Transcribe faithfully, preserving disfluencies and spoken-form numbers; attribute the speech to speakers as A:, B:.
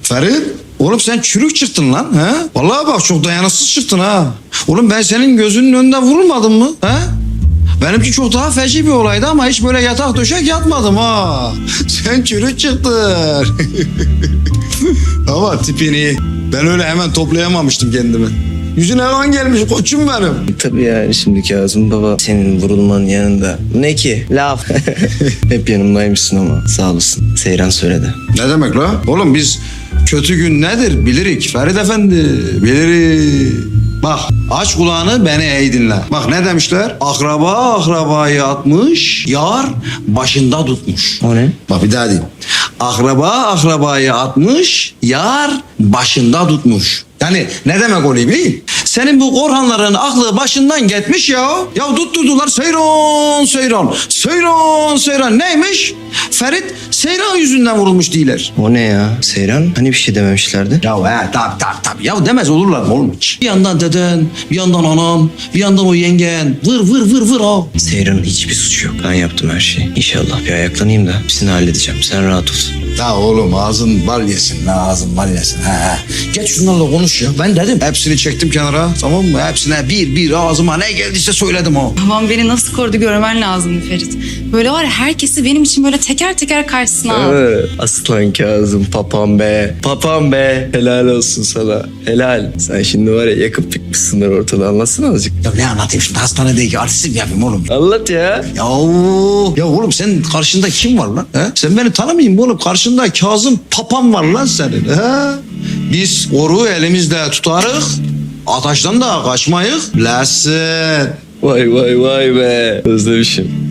A: Ferit, oğlum sen çürük çıktın lan. He? Vallahi bak çok dayanıksız çıktın ha. Oğlum ben senin gözünün önünde vurulmadım mı? He? Benimki çok daha feci bir olaydı ama hiç böyle yatak döşek yatmadım ha. Sen çürük çıktın. Ama tipin iyi. Ben öyle hemen toplayamamıştım kendimi. Yüzüne kan gelmiş koçum benim.
B: Tabii yani şimdi Kazım baba senin vurulmanın yanında. Ne ki? Laf. Hep yanımdaymışsın ama sağ olasın. Seyran söyledi.
A: Ne demek la? Oğlum biz kötü gün nedir bilirik Ferit Efendi. Bilirik. Bak aç kulağını beni iyi dinle. Bak ne demişler? Akraba akrabayı atmış, yar başında tutmuş.
B: O ne?
A: Bak bir daha diyeyim. Akraba akrabayı atmış, yar başında tutmuş. Yani ne demek oluyor bileyim? Senin bu Korhanların aklı başından gitmiş ya. Ya tutturdular Seyran, Seyran, Seyran, Seyran. Neymiş? Ferit Seyran yüzünden vurulmuş değiller.
B: O ne ya? Seyran? Hani bir şey dememişlerdi?
A: Ya he tabi tabi tabi. Ya demez olurlar mı oğlum hiç? Bir yandan deden, bir yandan anam, bir yandan o yengen. Vır vır vır vır ha.
B: Seyran'ın hiçbir suçu yok. Ben yaptım her şeyi. İnşallah bir ayaklanayım da hepsini halledeceğim. Sen rahat ol.
A: Ya oğlum ağzın bal yesin la ağzın bal yesin. He he. Geç şunlarla konuş ya. Ben dedim. Hepsini çektim kenara tamam mı? Hepsine bir bir ağzıma ne geldiyse söyledim o.
C: Babam beni nasıl korudu görmen lazımdı Ferit. Böyle var ya herkesi benim için böyle teker teker karşısına aldı.
B: Ee, Aslan Kazım papam be. Papam be. Helal olsun sana. Helal. Sen şimdi var ya yakıp yıkmışsınlar ortada. Anlatsana azıcık.
A: Ya ne anlatayım şimdi hastanedeki artistik yapayım oğlum.
B: Anlat ya.
A: Ya, ya oğlum senin karşında kim var lan? He? Sen beni tanımayayım oğlum. Karşında Kazım papam var lan senin. He? Biz oruğu elimizde tutarık. Ataştan da kaçmayık. Lesin.
B: Vay vay vay be. Özlemişim.